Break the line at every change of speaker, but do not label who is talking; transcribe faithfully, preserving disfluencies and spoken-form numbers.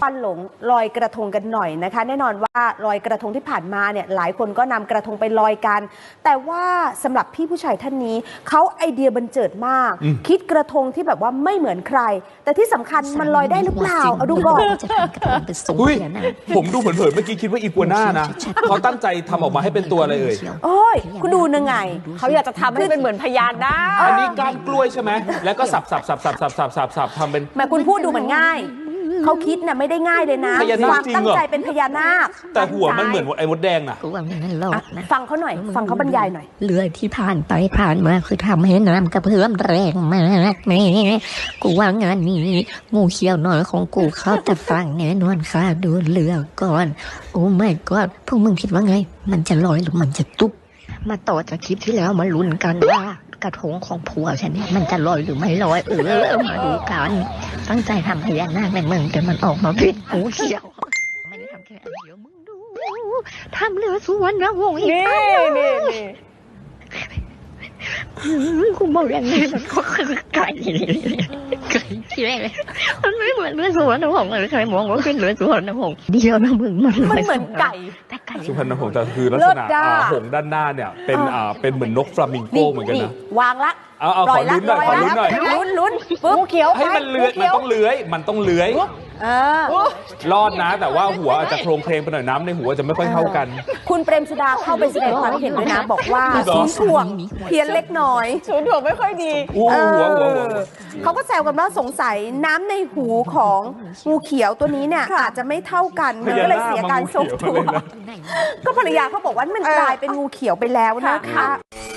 ควันหลงลอยกระทงกันหน่อยนะคะแน่นอนว่าลอยกระทงที่ผ่านมาเนี่ยหลายคนก็นำกระทงไปลอยกันแต่ว่าสำหรับพี่ผู้ชายท่านนี้เขาไอเดียบันเจิดมากคิดกระทงที่แบบว่าไม่เหมือนใครแต่ที่สำคัญมันลอยได้หรือเปล่าเอาดูก่อน
อุ้ยผมดูเผินๆเมื่อกี้คิดว่าอีกัวน่านะเขาตั้งใจทำออกมาให้เป็นตัวอะไรเอ่ย
โอ้ยคุณดูนึงไง
เขาอยากจะทำให้เป็นเหมือนพญานาค
อันนี้ก้านกล้วยใช่ไหมแล้วก็สับสับสับสับสับสับสับสับทำเป็น
แม่คุณพูดดูเหมือนง่ายเขาคิดน่ะไม่ได้ง่ายเลยนะความตั้งใจเป็นพญานาค
แต่หัวมันเหมือนไอ้มดแดงน่ะ
ฟังเขาหน่อยฟังเขาบรรยายหน่อย
เรือที่ผ่านไปผ่านมาคือทำให้น้ำกระเพื่อมแรงมากแม่กูว่างานนี้งูเขียวน้อยของกูเข้าแต่ฟังแน่นอนค่ะดูเรือก่อนโอ้ไม่ก็พวกมึงคิดว่าไงมันจะลอยหรือมันจะตุ๊บมาต่อจากคลิปที่แล้วมาลุ้นกันว่ากระทงของผัวฉันเนี่ยมันจะลอยหรือไม่ลอยเออมาดูกันตั้งใจทำพญานาคในเมืองแต่มันออกมาเป็นงูเขียวไม่ได้ทำแค่อันเดียวมึงดูทำเรือสุวรรณวงศ์อีกนี่นี่นี่คุณบอกอย่างนี้มันก็คือไก่ไก่ที่แรกเลยมันไม่เหมือนเรือสุวรรณวงศ์เลยใครมองว่าเป็นเรือสุวรรณวงศ์เดียวนะมึงมัน
มันเหมือนไก่
แต่ไก่
สุพรรณหงส์แต่คือลักษณะหงส์ด้านหน้าเนี่ยเป็นอ่าเป็นเหมือนนกฟลามิงโกเหมือนกันนะ
วางละ
เอาเอาขอลุ้นหน่อยขอลุ้นหน่อย
ลุ้นลุ้นปุ๊บเขียว
ให้มันเลื้อยมันต้องเลื้อยมันต้องเลื้อยรอดนะแต่ว่าหัวอาจจะโครงเพลงไปหน่อยน้ำในหัวจะไม่ค่อยเท่ากัน
คุณเปรมสุดาเข้าไปแสดงความเห็นด้วยนะบอกว่าศูนย์ถ่วงเพี้ยนเล็กน้อย
ศูนย์ถ่วงไม่ค่อยดี
เขาก็แซวกันว่าสงสัยน้ำในหูของงูเขียวตัวนี้เนี่ยอาจจะไม่เท่ากันมันก็เลยเสียการทรงตัวก็ภรรยาเขาบอกว่ามันกลายเป็นงูเขียวไปแล้วนะคะ